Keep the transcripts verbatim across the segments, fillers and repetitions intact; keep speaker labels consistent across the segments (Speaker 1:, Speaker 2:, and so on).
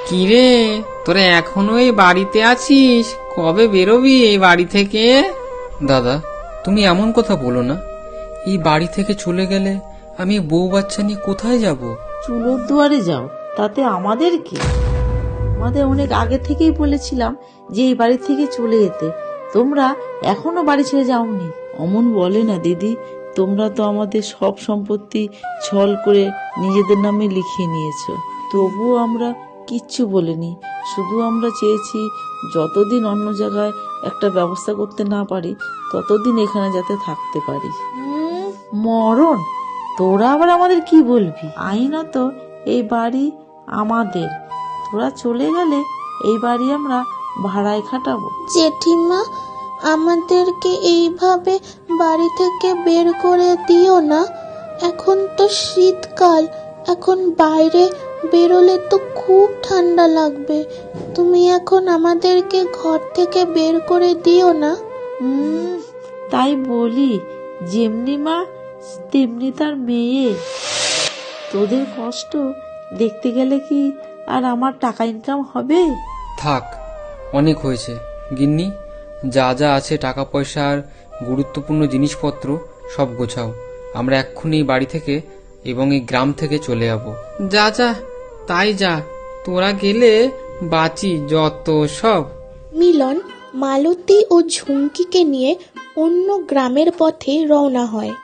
Speaker 1: কিরে, তোরা এখনো এই বাড়িতে আছিস? কবে বেরোবি এই বাড়ি থেকে?
Speaker 2: দাদা, তুমি এমন কথা বলো না। এই বাড়ি থেকে চলে গেলে আমি বউ বাচ্চা নিয়ে কোথায় যাব?
Speaker 3: চুলোর দুয়ারে যাও, তাতে আমাদের কি? আমাদের অনেক আগে থেকেই বলেছিলাম যে এই বাড়ি থেকে চলে যেতে, তোমরা এখনো বাড়ি ছেড়ে যাওনি। অমন বলে না দিদি, তোমরা তো আমাদের সব সম্পত্তি ছল করে নিজেদের নামে লিখিয়ে নিয়েছো, তবুও আমরা কিচ্ছু বলিনি। শুধু আমরা চেয়েছি যতদিন অন্য জায়গায় একটা ব্যবস্থা করতে না পারি ততদিন এখানে যাতে থাকতে পারি। মরণ, তোরা আবার আমাদের কি বলবি? আইনত এই বাড়ি আমাদের, তোরা চলে গেলে এই বাড়ি আমরা ভাড়ায় খাটাবো।
Speaker 4: জেঠিমা, আমাদেরকে এইভাবে বাড়ি থেকে বের করে দিও না। এখন তো শীতকাল, এখন বাইরে বেরোলে তো খুব ঠান্ডা লাগবে। তুমি এখন আমাদেরকে ঘর থেকে বের করে দিও না।
Speaker 3: হুম, তাই বলি, যেমনি মা তেমনি তার মেয়ে। তোদের কষ্ট দেখতে গেলে কি আর আমার টাকা ইনকাম হবে?
Speaker 2: থাক, অনেক হয়েছে গিন্নি। যা যা আছে টাকা পয়সা আর গুরুত্বপূর্ণ জিনিসপত্র সব গোছাও। আমরা এক্ষুনি এই বাড়ি থেকে এবং এই গ্রাম থেকে চলে যাব।
Speaker 1: যা যা, তাই যা, তোরা গেলে বাঁচি যত সব।
Speaker 4: মিলন মালতী ও ঝুমকিকে নিয়ে অন্য গ্রামের পথে রওনা হয়।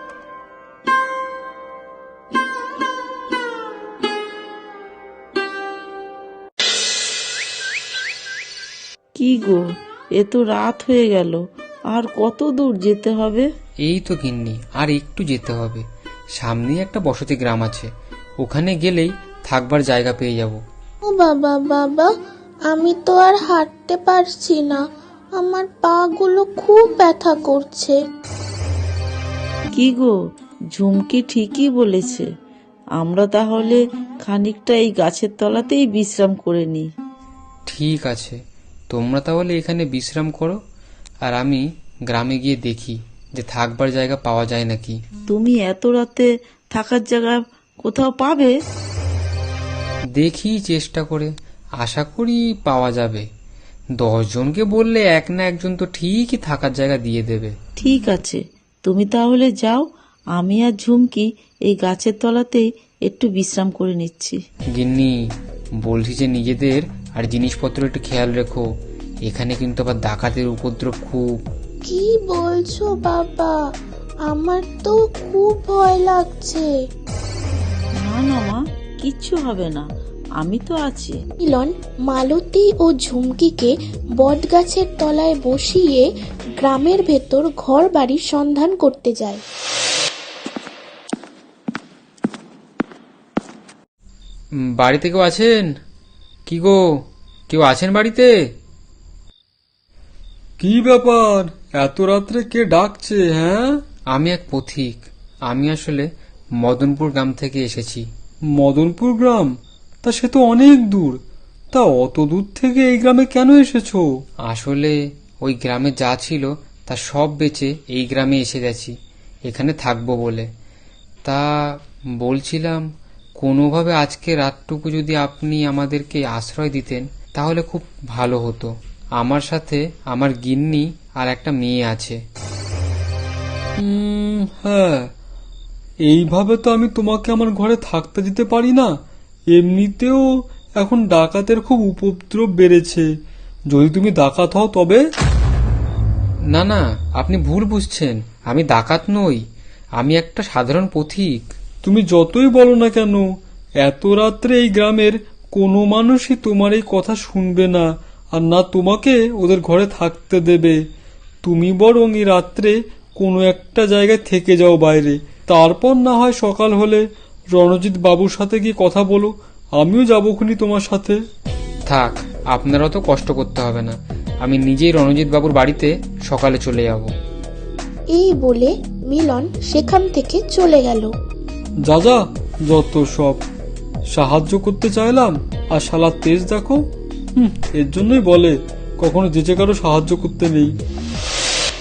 Speaker 3: কি গো, এ তো রাত হয়ে গেল, আর কত দূর যেতে হবে?
Speaker 2: এই তো গিন্নি, আর একটু যেতে হবে। সামনেই একটা বসতি গ্রাম আছে, ওখানে গেলেই থাকবার জায়গা পেয়ে যাব।
Speaker 4: ও বাবা বাবা, আমি তো আর হাঁটতে পারছি না, আমার পা গুলো খুব ব্যথা করছে।
Speaker 3: কি গো, ঝুমকি ঠিকই বলেছে, আমরা তাহলে খানিকটা এই গাছের তলাতেই বিশ্রাম করে নিই।
Speaker 2: ঠিক আছে, তোমরা তাহলে এখানে বিশ্রাম করো, আর আমি গ্রামে গিয়ে দেখি যে থাকবার জায়গা পাওয়া যায় নাকি।
Speaker 3: তুমি এত রাতে থাকার জায়গা কোথাও পাবে?
Speaker 2: দেখি চেষ্টা করে, আশা করি পাওয়া যাবে। দশ জনকে বললে এক না একজন তো ঠিকই থাকার জায়গা দিয়ে দেবে।
Speaker 3: ঠিক আছে, তুমি তাহলে যাও, আমি আর ঝুমকি এই গাছের তলাতেই একটু বিশ্রাম করে নিচ্ছি।
Speaker 2: গিন্নি, বলছি যে নিজেদের আর জিনিসপত্র একটু খেয়াল রেখো, এখানে কিন্তু আবার ডাকাতের উপদ্রব খুব।
Speaker 4: কি বলছো বাবা, আমার তো খুব ভয় লাগছে।
Speaker 3: না না মা, কিচ্ছু হবে না, আমি তো আছি।
Speaker 4: মিলন মালতী ও ঝুমকিকে বটগাছের তলায় বসিয়ে গ্রামের ভেতর ঘর বাড়ির সন্ধান করতে যায়।
Speaker 2: উম, বাড়িতে কেউ আছেন? কি গো, কেউ আছেন বাড়িতে?
Speaker 5: কি ব্যাপার, এত রাত্রে কে ডাকছে? হ্যাঁ,
Speaker 2: আমি এক পথিক, আমি আসলে মদনপুর গ্রাম থেকে এসেছি।
Speaker 5: মদনপুর গ্রাম? তা সে তো অনেক দূর, তা অত দূর থেকে এই গ্রামে কেন এসেছো?
Speaker 2: আসলে ওই গ্রামে যা ছিল তা সব বেচে এই গ্রামে এসে গেছি এখানে থাকবো বলে। তা বলছিলাম, কোনোভাবে আজকে রাতটুকু যদি আপনি আমাদেরকে আশ্রয় দিতেন তাহলে খুব ভালো হতো। আমার সাথে আমার গিন্নি আর একটা মেয়ে আছে।
Speaker 5: হুম, হ্যাঁ, এইভাবে তো আমি তোমাকে আমার ঘরে থাকতে দিতে পারি না। এমনিতেও এখন ডাকাতের খুব উপদ্রব বেড়েছে, যদি তুমি ডাকাত হও তবে।
Speaker 2: না না, আপনি ভুল বুঝছেন, আমি ডাকাত নই, আমি একটা সাধারণ পথিক।
Speaker 5: তুমি যতই বলো না কেন, এত রাত্রে এই গ্রামের কোনো মানুষই তোমার এই কথা শুনবে না, আর না তোমাকে ওদের ঘরে থাকতে দেবে। তুমি বরং এই রাত্রে কোনো একটা জায়গায় থেকে যাও বাইরে, তারপর না হয় সকাল হলে রণজিৎ বাবুর সাথে গিয়ে কথা বলো, আমিও যাবোখুনি তোমার সাথে।
Speaker 2: থাক, আপনারাও তো কষ্ট করতে হবে না, আমি নিজেই রণজিৎ বাবুর বাড়িতে সকালে চলে যাব।
Speaker 4: এই বলে মিলন সেখান থেকে চলে গেল।
Speaker 5: যা যা, যত সব, সাহায্য করতে চাইলাম আর শালা তেজ দেখো। হুম, এর জন্যই বলে কখনো যেচে কারো সাহায্য করতে নেই।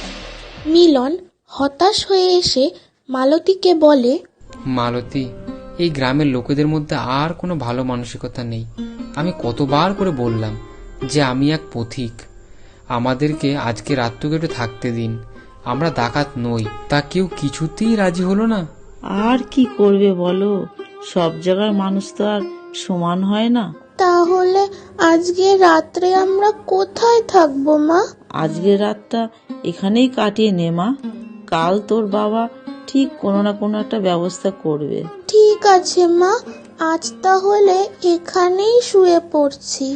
Speaker 4: মিলন হতাশ হয়ে এসে মালতীকে বলে,
Speaker 2: মালতী, এই গ্রামের লোকেদের মধ্যে আর কোনো ভালো মানসিকতা নেই। আমি কতবার করে বললাম যে আমি এক পথিক, আমাদেরকে আজকে রাতটুকু একটু থাকতে দিন, আমরা ডাকাত নই। তা কেউ কিছুতেই রাজি হলো না।
Speaker 3: আর কি করবে বলো, সব জায়গার মানুষ তো আর সমান হয় না।
Speaker 4: তাহলে আজকে রাত্রে আমরা কোথায় থাকবো মা?
Speaker 3: আজকের রাতটা এখানেই কাটিয়ে নে মা, কাল তোর বাবা ঠিক কোনো না কোনো একটা ব্যবস্থা করবে।
Speaker 4: ঠিক আছে মা, আজ তাহলে এখানেই শুয়ে পড়ছি।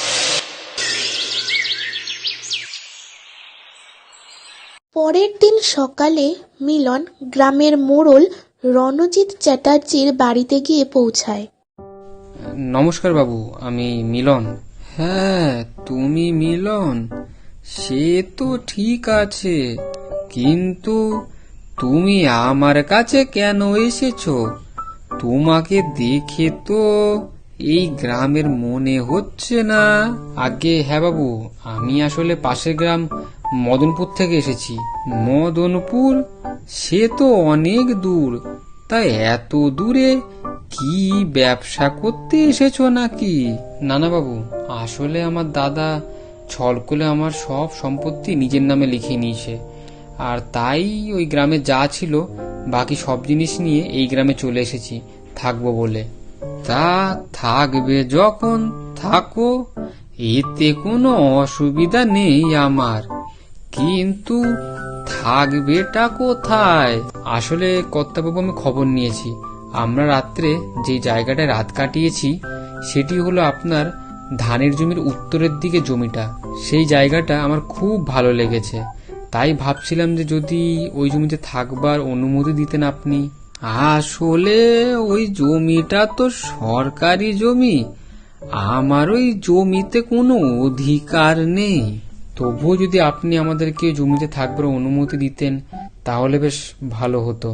Speaker 4: পরের দিন সকালে মিলন গ্রামের মোড়ল রণজিৎ চ্যাটার্জির বাড়িতে গিয়ে পৌঁছায়।
Speaker 2: নমস্কার বাবু, আমি মিলন। হ্যাঁ, তুমি মিলন, সে তো ঠিক আছে, কিন্তু তুমি আমার কাছে কেন এসেছো? তোমাকে দেখে তো এই গ্রামের মনে হচ্ছে না। আগে হ্যাঁ বাবু, আমি আসলে পাশের গ্রাম মদনপুর থেকে এসেছি। মদনপুর? সে তো অনেক দূর। তাই এত দূরে কি ব্যবসা করতে এসেছো নাকি? না না বাবু, আসলে আমার দাদা ছল করে আমার সব সম্পত্তি নিজের নামে লিখে নিয়েছে, আর তাই ওই গ্রামে যা ছিল বাকি সব জিনিস নিয়ে এই গ্রামে চলে এসেছি থাকবো বলে। তা থাকবে যখন থাকো, এতে কোনো অসুবিধা নেই আমার, কিন্তু থাকবেটা কোথায়? আসলে কর্তাবাবু, আমি খবর নিয়েছি, আমরা রাত্রে যে জায়গাটায় রাত কাটিয়েছি সেটি হলো আপনার ধানের জমির উত্তরের দিকে জমিটা। সেই জায়গাটা আমার খুব ভালো লেগেছে, তাই ভাবছিলাম যে যদি ওই জমিতে থাকবার অনুমতি দিতেন আপনি। আসলে ওই জমিটা তো সরকারি জমি, আমার ওই জমিতে কোনো অধিকার নেই। তবুও যদি আপনি আমাদেরকে জমিতে থাকবার অনুমতি দিতেন তাহলে বেশ ভালো হতো।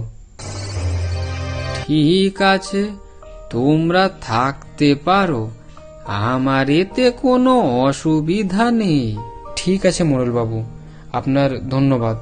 Speaker 2: ঠিক আছে, তোমরা থাকতে পারো, আমার এতে কোনো অসুবিধা নেই। ঠিক আছে মোড়ল বাবু, আপনার ধন্যবাদ।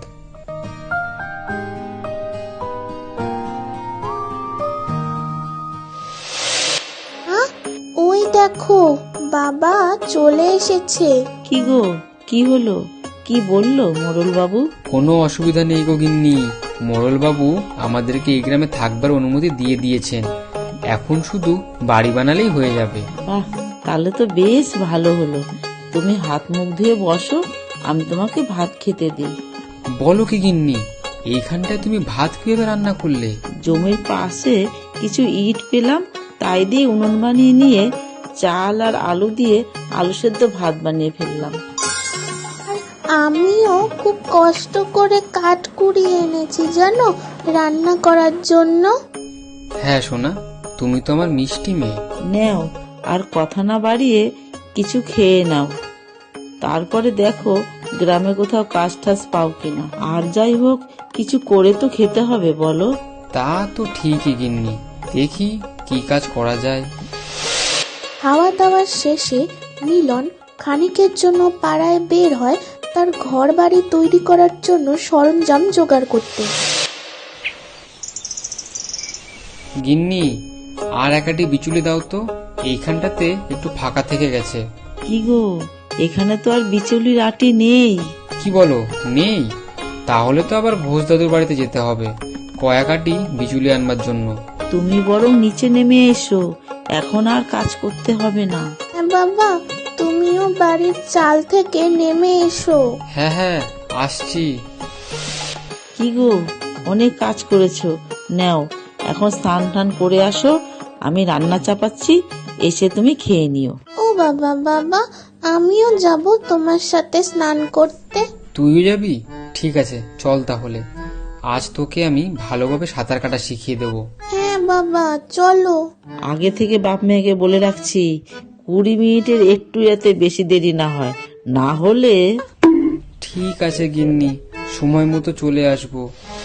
Speaker 4: ওই দেখো, বাবা চলে এসেছে।
Speaker 3: কি গো, কি হলো, কি বললো মোড়ল বাবু?
Speaker 2: কোনো অসুবিধা নেই গো গিন্নি, মোড়ল বাবু আমাদেরকে এই গ্রামে থাকবার অনুমতি দিয়ে দিয়েছেন, এখন শুধু বাড়ি বানালেই হয়ে যাবে।
Speaker 3: বাহ, তাহলে তো বেশ ভালো হলো। তুমি হাত মুখ ধুয়ে বসো, আমি তোমাকে ভাত খেতে দিই।
Speaker 2: বলো কি গিন্নি, এইখানটায় তুমি ভাত কিভাবে রান্না করলে?
Speaker 3: জমির পাশে কিছু ইট পেলাম, তাই দিয়ে উনুন বানিয়ে নিয়ে চাল আর আলু দিয়ে আলু সেদ্ধ ভাত বানিয়ে ফেললাম।
Speaker 4: আমিও খুব কষ্ট করে কাঠ কুড়িয়ে এনেছি জানো, রান্না করার জন্য।
Speaker 2: হ্যাঁ সোনা, তুমি তো আমার মিষ্টি মেয়ে।
Speaker 3: নেও, আর কথা না বাড়িয়ে কিছু খেয়ে নাও, তারপরে দেখো গ্রামে কোথাও কাজ টাজ পাও কিনা। আর যাই হোক, কিছু করে তো খেতে হবে বলো।
Speaker 2: তা তো ঠিকই গিন্নি, দেখি কি কাজ করা যায়।
Speaker 4: খাওয়া দাওয়ার শেষে মিলন খানিকের জন্য পাড়ায় বের হয় তার ঘর বাড়ি তৈরি করার জন্য সরঞ্জাম জোগাড় করতে।
Speaker 2: গিন্নি, আর একাটি বিচুলি দাও তো, এইখানটাতে একটু ফাঁকা থেকে গেছে।
Speaker 3: কি গো, এখানে তো আর বিচুলির আটি নেই।
Speaker 2: কি বলো, নেই? তাহলে তো আবার ঘোষ দাদুর বাড়িতে যেতে হবে কয়েক আটি বিচুলি আনবার জন্য।
Speaker 3: তুমি বরং নিচে নেমে এসো, এখন আর কাজ করতে হবে না।
Speaker 4: হ্যাঁ বাবা, তুমিও বাড়ির চাল থেকে নেমে এসো।
Speaker 2: হ্যাঁ হ্যাঁ, আসছি।
Speaker 3: কি গো, অনেক কাজ করেছো, নাও এখন স্নান টান করে আসো, আমি রান্না চাপাচ্ছি, এসে তুমি খেয়ে নিও।
Speaker 4: ও বাবা, বাবা আমিও যাব তোমার সাথে স্নান করতে।
Speaker 2: তুইও যাবি? ঠিক আছে, চল তাহলে, আজ তোকে আমি ভালোভাবে সাঁতার কাটা শিখিয়ে দেবো।
Speaker 4: হ্যাঁ বাবা, চলো।
Speaker 3: আগে থেকে বাপ মেয়েকে বলে রাখছি, কুড়ি মিনিটের একটু যাতে বেশি দেরি না হয়, না হলে।
Speaker 2: ঠিক আছে গিন্নি, সময় মতো চলে আসবো।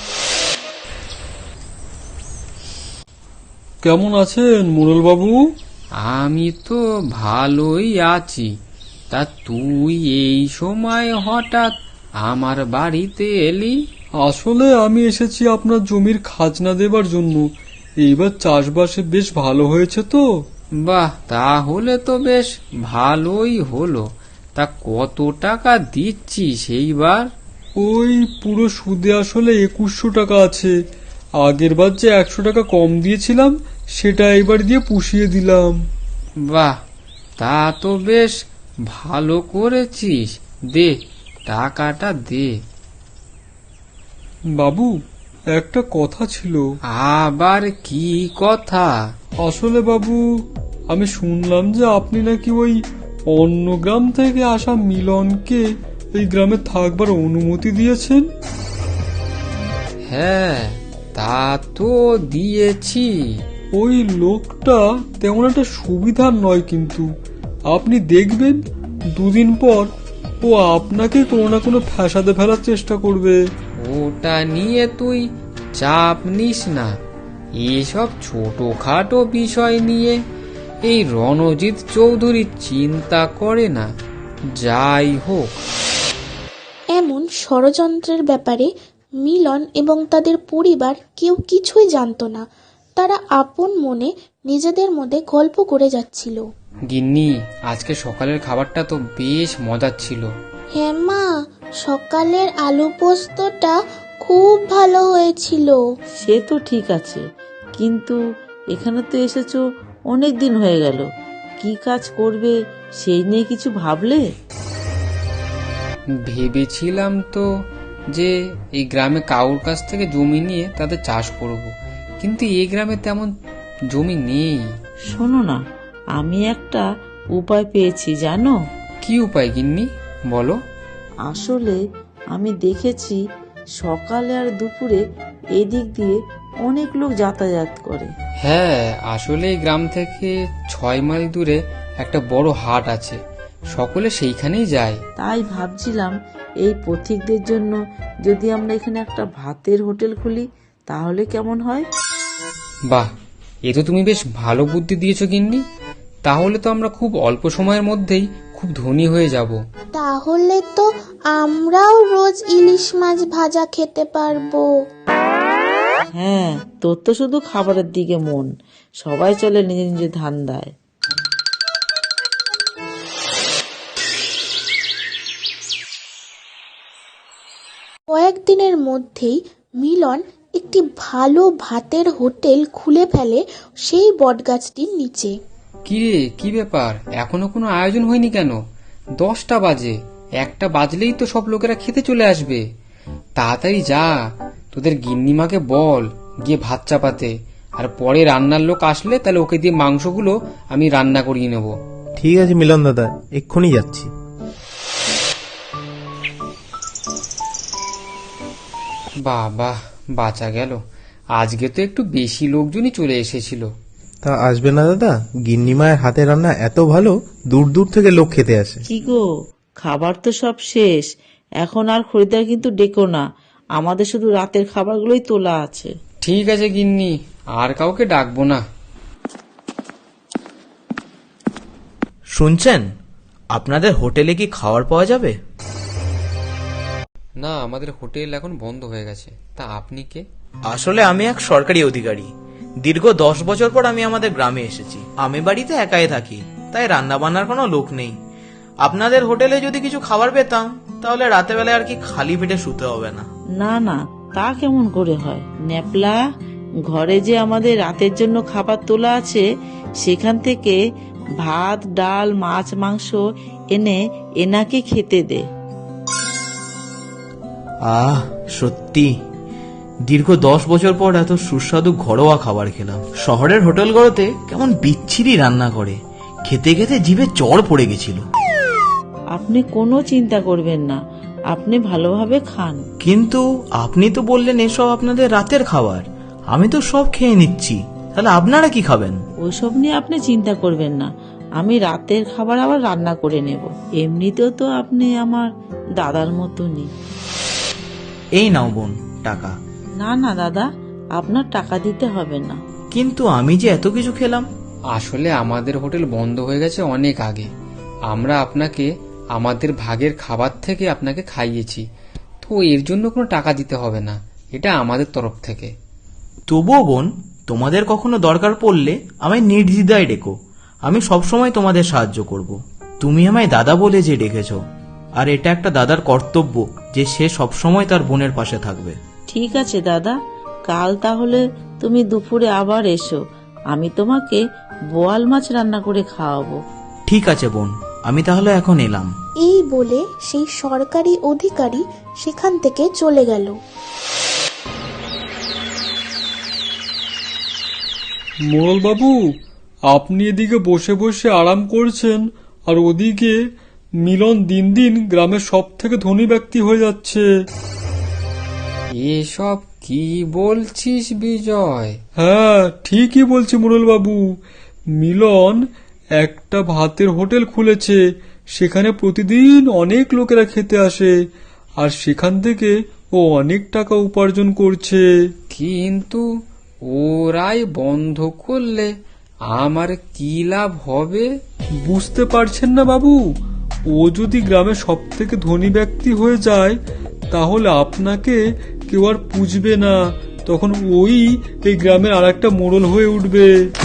Speaker 5: কেমন আছেন মোড়ল বাবু?
Speaker 2: আমি তো ভালোই আছি, তা তুই এই সময় হঠাৎ আমার বাড়িতে এলি?
Speaker 5: আসলে আমি এসেছি আপনার জমির খাজনা দেবার জন্য। এইবার চাষবাসে বেশ ভালো হয়েছে তো?
Speaker 1: বাহ, তাহলে তো বেশ ভালোই হলো। তা কত টাকা দিচ্ছিস এইবার?
Speaker 5: ওই পুরো সুদে আসলে একুশশো টাকা আছে। আগের বার যে একশো টাকা কম দিয়েছিলাম সেটা এবার দিয়ে পুষিয়ে দিলাম।
Speaker 1: বাহ, তা তো বেশ ভালো করেছিস। দে, টাকাটা দে।
Speaker 5: বাবু, একটা কথা ছিল।
Speaker 1: আবার কি কথা?
Speaker 5: আসলে বাবু, আমি শুনলাম যে আপনি নাকি ওই অন্য গ্রাম থেকে আসা মিলনকে এই গ্রামে থাকবার অনুমতি দিয়েছেন।
Speaker 1: হ্যাঁ, তা তো দিয়েছি।
Speaker 5: ওই লোকটা তেমন একটা সুবিধার নয়, কিন্তু আপনি দেখবেন দুদিন পর ও আপনাকে কোনো না কোনো ফ্যাসাদে ফেলার চেষ্টা করবে।
Speaker 1: ওটা নিয়ে তুই চাপ নিস না। এসব ছোটখাটো বিষয় নিয়ে এই রণজিৎ চৌধুরী চিন্তা করে না। যাই হোক,
Speaker 4: এমন ষড়যন্ত্রের ব্যাপারে মিলন এবং তাদের পরিবার কেউ কিছুই জানতো না। তারা আপন মনে নিজেদের মধ্যে গল্প করে যাচ্ছিল।
Speaker 1: গিন্নি, আজকে সকালের খাবারটা তো বেশ মজার ছিল।
Speaker 4: হ্যাঁ মা, সকালের আলু পোস্তটা খুব ভালো হয়েছিল।
Speaker 3: সে তো ঠিক আছে, কিন্তু এখানে তো এসেছো অনেক দিন হয়ে গেল, কি কাজ করবে সেই নিয়ে কিছু ভাবলে?
Speaker 1: ভেবেছিলাম তো যে এই গ্রামে কাউর কাছ থেকে জমি নিয়ে তাদের চাষ করব, কিন্তু এই গ্রামে তেমন জমি নেই।
Speaker 3: শোনো না, আমি একটা উপায় পেয়েছি জানো।
Speaker 1: কি উপায় গিন্নি, বলো।
Speaker 3: আসলে আমি দেখেছি সকালে আর দুপুরে এদিক দিয়ে অনেক লোক যাতায়াত করে।
Speaker 1: হ্যাঁ, আসলে এই গ্রাম থেকে ছয় মাইল দূরে একটা বড় হাট আছে, সকলে সেইখানেই যায়।
Speaker 3: তাই ভাবছিলাম এই পথিকদের জন্য যদি আমরা এখানে একটা ভাতের হোটেল খুলি তাহলে কেমন হয়?
Speaker 1: বাহ, এ তো তুমি বেশ ভালো বুদ্ধি দিয়েছো গিন্নি। তাহলে তো আমরা খুব অল্প সময়ের মধ্যেই খুব ধনী হয়ে যাব।
Speaker 4: তাহলে তো আমরাও রোজ ইলিশ মাছ ভাজা খেতে পারবো।
Speaker 3: হ্যাঁ, তোর তো শুধু খাবারের দিকে মন, সবাই চলে নিজে নিজে ধান্দায়।
Speaker 4: কয়েকদিনের মধ্যেই মিলন একটি ভালো ভাতের হোটেল খুলে ফেলে সেই বটগাছটির নিচে।
Speaker 1: কি রে, কি ব্যাপার, এখনো কোনো আয়োজন হয়নি কেন? দশটা বাজে, একটা বাজলেই তো সব লোকেরা খেতে চলে আসবে। তাড়াতাড়ি যা, তোদের গিন্নিমাকে বল গিয়ে ভাত চাপাতে, আর পরে রান্নার লোক আসলে তাহলে ওকে দিয়ে মাংসগুলো আমি রান্না করিয়ে নেব।
Speaker 6: ঠিক আছে মিলন দাদা, এক্ষুনি যাচ্ছি।
Speaker 1: বাবা, বাঁচা গেল। আজকে তো একটু বেশি লোকজনই চলে এসেছিল।
Speaker 6: তা আসবে না দাদা, গিন্নিমায়ের হাতে রান্না এত ভালো, দূর দূর থেকে লোক খেতে আসে।
Speaker 3: কি গো, খাবার তো সব শেষ, এখন আর খরিদ্দার কিন্তু ডেকো না, আমাদের শুধু রাতের খাবারগুলোই তোলা আছে।
Speaker 1: ঠিক আছে গিন্নি, আর কাউকে ডাকবো না।
Speaker 7: শুনছেন, আপনাদের হোটেলে কি খাবার পাওয়া যাবে?
Speaker 1: না, আমাদের হোটেল এখন বন্ধ হয়ে গেছে। তা আপনি কে?
Speaker 7: আসলে আমি এক সরকারি অধিকারী। দীর্ঘ দশ বছর পর আমি আমাদের গ্রামে এসেছি। আমি বাড়িতে একাই থাকি, তাই রান্না বান্নার কোনো লোক নেই। আপনাদের হোটেলে যদি কিছু খাবার পেতাম তাহলে রাতে বেলায় আর কি খালি পেটে শুতে হবে না।
Speaker 3: না না, তা কেমন করে হয় ন্যাপলা, ঘরে যে আমাদের রাতের জন্য খাবার তোলা আছে সেখান থেকে ভাত ডাল মাছ মাংস এনে এনাকে খেতে দে।
Speaker 7: আহ, সত্যি দীর্ঘ দশ বছর পর এত সুস্বাদু ঘরোয়া খাবার খেলাম। শহরের হোটেলগুলোতে কেমন বিচ্ছিরি রান্না করে, খেতে খেতে জিভে চড় পড়ে গেছিল।
Speaker 3: আপনি কোনো চিন্তা করবেন না, আপনি ভালোভাবে খান।
Speaker 7: কিন্তু আপনি তো বললেন এসব আপনাদের রাতের খাবার, আমি তো সব খেয়ে নিচ্ছি, তাহলে আপনারা কি খাবেন?
Speaker 3: ওইসব নিয়ে আপনি চিন্তা করবেন না, আমি রাতের খাবার আবার রান্না করে নেব। এমনিতেও তো আপনি আমার দাদার মতনই।
Speaker 7: এই নাও বোন টাকা।
Speaker 3: না না দাদা, আপনার টাকা দিতে হবে না।
Speaker 7: কিন্তু আমি যে এত কিছু খেলাম।
Speaker 1: আসলে আমাদের হোটেল বন্ধ হয়ে গেছে অনেক আগে। আমরা আপনাকে আমাদের ভাগের খাবার থেকে আপনাকে খাইয়েছি, তো এর জন্য কোনো টাকা দিতে হবে না, এটা আমাদের তরফ থেকে।
Speaker 7: তবুও বোন, তোমাদের কখনো দরকার পড়লে আমায় নির্দ্বিধায় ডেকো, আমি সবসময় তোমাদের সাহায্য করব। তুমি আমায় দাদা বলে যে ডেকেছ, আর এটা একটা দাদার কর্তব্য যে সে সবসময় তার বোনের পাশে থাকবে।
Speaker 3: ঠিক আছে দাদা, কাল তাহলে তুমি দুপুরে আবার এসো, আমি তোমাকে বোয়াল মাছ রান্না করে খাওয়াবো।
Speaker 7: ঠিক আছে বোন, আমি তাহলে এখন এলাম।
Speaker 4: এই বলে সেই সরকারি অধিকারী সেখান থেকে চলে গেল।
Speaker 5: মোড়ল বাবু, আপনি এদিকে বসে বসে আরাম করছেন, আর ওদিকে মিলন দিন দিন গ্রামের সব থেকে ধনী ব্যক্তি হয়ে যাচ্ছে।
Speaker 2: এসব কি বলছিস বিজয়?
Speaker 5: হ্যাঁ, ঠিকই বলছি মোড়ল বাবু। মিলন একটা ভাতের হোটেল খুলেছে, সেখানে প্রতিদিন অনেক লোকেরা খেতে আসে, আর সেখান থেকে ও অনেক টাকা উপার্জন করছে।
Speaker 2: কিন্তু ওরাই বন্ধ করলে আমার কি লাভ হবে?
Speaker 5: বুঝতে পারছেন না বাবু? ও যদি গ্রামের সব থেকে ধনী ব্যক্তি হয়ে যায়, তাহলে আপনাকে কেউ আর পুজবে না, তখন ওই এই গ্রামের আর একটা মোড়ল হয়ে উঠবে।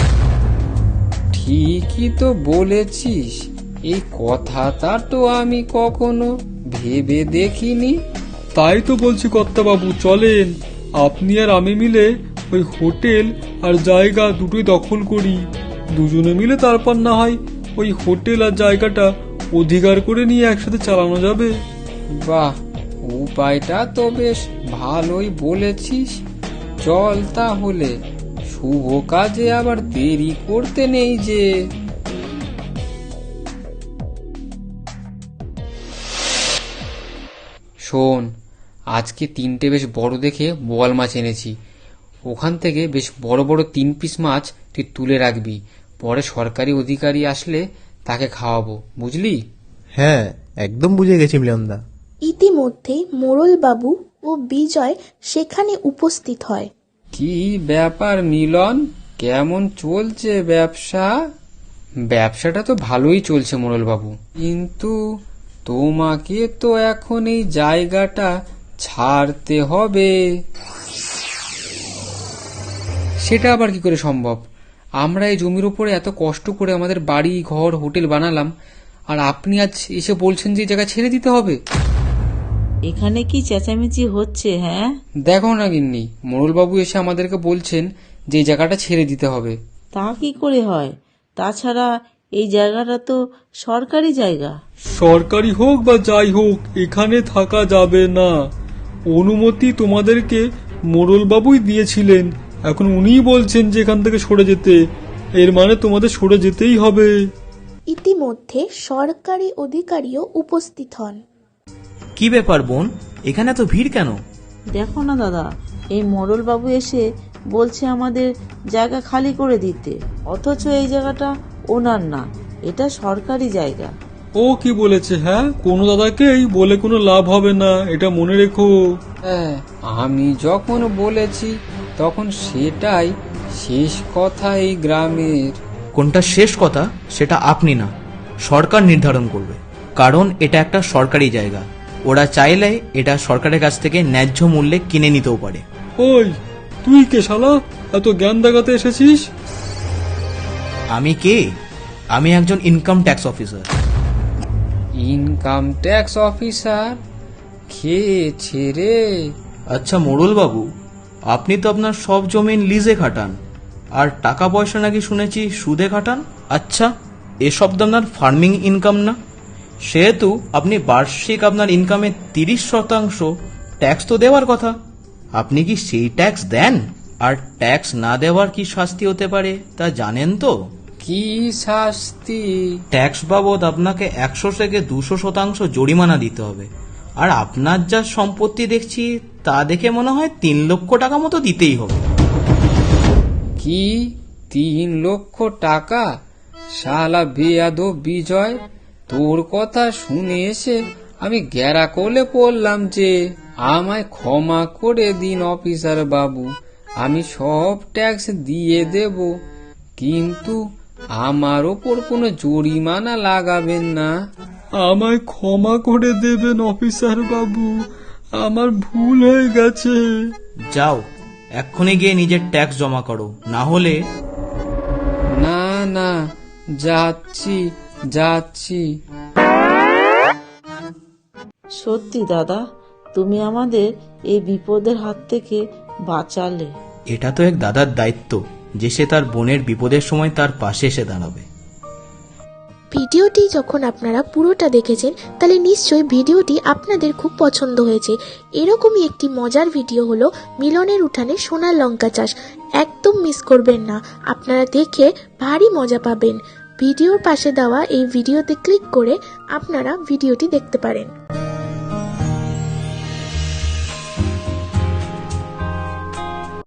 Speaker 2: ঠিকই তো বলেছিস, এই কথাটা তো আমি কখনো ভেবে দেখিনি।
Speaker 5: তাই তো বলছি কর্তা বাবু, চলেন আপনি আর আমি মিলে ওই হোটেল আর জায়গা দুটোই দখল করি। দুজনে মিলে তারপর না হয় ওই হোটেল আর জায়গাটা অধিকার করে নিয়ে একসাথে চালানো যাবে।
Speaker 2: বাহ, উপায়টা তো বেশ ভালোই বলেছিস। চল তাহলে, শুভ কাজে আবার দেরি করতে নেই যে। শোন, আজকে তিনটে বেশ বড় দেখে বোয়াল মাছ এনেছি। ওখান থেকে বেশ বড় বড় তিন পিস মাছ তুই তুলে রাখবি, পরে সরকারি অধিকারী আসলে তাকে খাওয়াবো, বুঝলি?
Speaker 6: হ্যাঁ, একদম বুঝে গেছি মিলনদা।
Speaker 4: ইতিমধ্যেই মোড়লবাবু ও বিজয় সেখানে উপস্থিত হয়।
Speaker 2: কি ব্যাপার মিলন, কেমন চলছে ব্যবসা? ব্যবসাটা তো ভালোই চলছে মোড়লবাবু, কিন্তু তোমাকে তো এখন এই জায়গাটা ছাড়তে হবে। সেটা আবার কি করে সম্ভব? আমরা এই জমির উপরে এত কষ্ট করে আমাদের বাড়ি ঘর হোটেল বানালাম, আর আপনি আজ এসে বলছেন যে এই জায়গা ছেড়ে দিতে হবে?
Speaker 3: এখানে কি চেঁচামেচি হচ্ছে? হ্যাঁ,
Speaker 2: দেখো না গিন্নি, মোড়লবাবু এসে আমাদেরকে বলছেন যে এই জায়গাটা ছেড়ে দিতে হবে।
Speaker 3: তা কি করে হয়? তাছাড়া এই জায়গাটা তো সরকারি জায়গা।
Speaker 5: সরকারি হোক বা যাই হোক, এখানে থাকা যাবে না। অনুমতি তোমাদেরকে মোড়লবাবুই দিয়েছিলেন, এখন উনিই বলছেন যে এখান থেকে সরে যেতে। এর মানে তোমাদের সরে যেতেই হবে।
Speaker 4: ইতিমধ্যে সরকারি অধিকারীও উপস্থিত হন।
Speaker 7: কি ব্যাপার বোন, এখানে তো ভিড় কেন?
Speaker 3: দেখো না দাদা, এই মোড়ল বাবু এসে বলছে আমাদের জায়গা খালি করে দিতে, অথচ এই জায়গাটা ওনার না, এটা সরকারি জায়গা।
Speaker 5: ও কি বলেছে? হ্যাঁ, কোনো দাদাকেই বলে কোনো লাভ হবে না, এটা মনে রেখো।
Speaker 2: হ্যাঁ, আমি যখন বলেছি তখন সেটাই শেষ কথা এই গ্রামের।
Speaker 7: কোনটা শেষ কথা সেটা আপনি না, সরকার নির্ধারণ করবে, কারণ এটা একটা সরকারি জায়গা। ওরা চাইলে এটা সরকারের কাছ থেকে ন্যায্য মূল্যে কিনে নিতেও পারে।
Speaker 5: ওই, তুই কে শালা, এত জ্ঞান দেখাতে এসেছিস?
Speaker 7: আমি কে? আমি একজন income tax officer.
Speaker 2: Income tax officer? খেয়েছে রে।
Speaker 7: আচ্ছা মোড়ল বাবু, আপনি তো আপনার সব জমিন লিজে খাটান, আর টাকা পয়সা নাকি শুনেছি সুদে খাটান। আচ্ছা, এসব তো আপনার ফার্মিং ইনকাম না, সেহেতু আপনি বার্ষিক আপনার ইনকামের তিরিশ শতাংশ ট্যাক্স তো দেওয়ার কথা। আপনি কি সেই ট্যাক্স দেন? আর ট্যাক্স না দেওয়ার কি শাস্তি হতে পারে তা জানেন তো?
Speaker 2: কি শাস্তি?
Speaker 7: ট্যাক্স বাবদ আপনাকে একশো থেকে দুশো শতাংশ জরিমানা দিতে হবে। আর আপনার যা সম্পত্তি দেখছি তা দেখে মনে হয় তিন লক্ষ টাকা মতো দিতেই হবে।
Speaker 2: কি তিন লক্ষ টাকা? শালা বেয়াদব বিজয়, তোর কথা শুনে এসে আমি গ্যারা কোলে পড়লাম যে। আমায় ক্ষমা করে দিন অফিসার বাবু, আমি সব ট্যাক্স দিয়ে দেব, কিন্তু আমার ওপর কোনো জরিমানা লাগাবেন না।
Speaker 5: আমায় ক্ষমা করে দেবেন অফিসার বাবু, আমার ভুল হয়ে গেছে।
Speaker 7: যাও, এক্ষুনি গিয়ে নিজের ট্যাক্স জমা করো, না হলে
Speaker 2: না না, যাচ্ছি যাচ্ছি।
Speaker 3: সত্যি দাদা, তুমি আমাদের এই বিপদের হাত থেকে বাঁচালে।
Speaker 7: এটা তো এক দাদার দায়িত্ব যে সে তার বোনের বিপদের সময় তার পাশে এসে দাঁড়াবে।
Speaker 4: ভিডিওটি যখন আপনারা পুরোটা দেখেছেন তাহলে নিশ্চয়ই ভিডিওটি আপনাদের খুব পছন্দ হয়েছে। এরকমই একটি মজার ভিডিও হলো মিলনের উঠানে সোনার লঙ্কা চাষ। একদম মিস করবেন না, আপনারা দেখে ভারী মজা পাবেন। ভিডিওর পাশে দেওয়া এই ভিডিওতে ক্লিক করে আপনারা ভিডিওটি দেখতে পারেন।